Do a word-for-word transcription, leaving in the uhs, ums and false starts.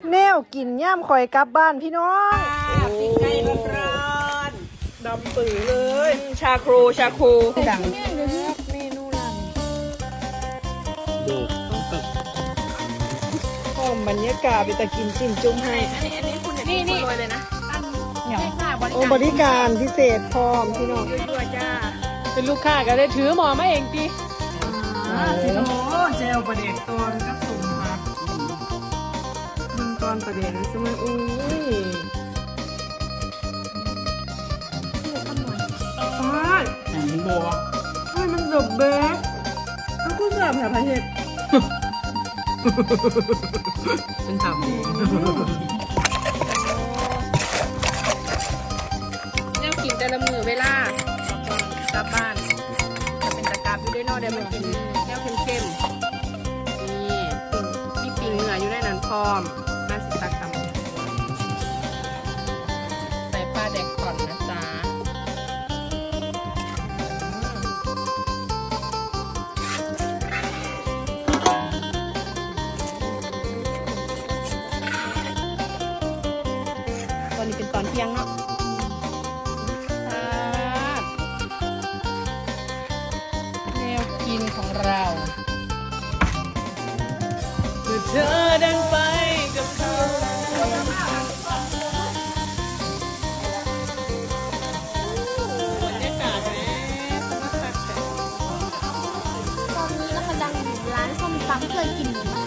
แนวกินย่ำคอยกลับบ้านพี่น้องปิ้งไก่ร้อนดำปือเลยชาครูชาครูดังเมนูร้านดูต้องตึกพร้อมบรรยากาศไปตะกินจิ้มจุ่มให้อันนี้อันนี้คุณนี่นี่เลยนะโอ้บริการพิเศษพร้อมพี่น้องด้วยจ้าเป็นลูกค้าก็ได้ถือหมอมาเองตีสิโอ้เจลประเด็กตัวกับสุ่มผักมึงตอนประเด็กสมัยอุ้ยฟ้าอันนี้โบวะเฮ้ยมันแบบเบ๊กแล้วกูเสิร์ฟแถวประเทศฉันทำเองแนวกินแต่ละมือเวลากลับบ้านจะเป็นตะกราบอยู่ด้วยนอกเดี๋ยวมันกินแนวเข้มๆนี่มีปิ่งเหนืออยู่ในนั้นพร้อมมาสิตาคำใส่ปลาแดกก่อนนะจ๊ะตอนนี้เป็นตอนเที่ยงเนาะแนวกินของเราเมื่อเธอเดินไปกับเขาบรรยากาศแหมสนุกมากแต่ตอนนี้นะคะดังอยู่ร้านส้มตำเคยกินหมู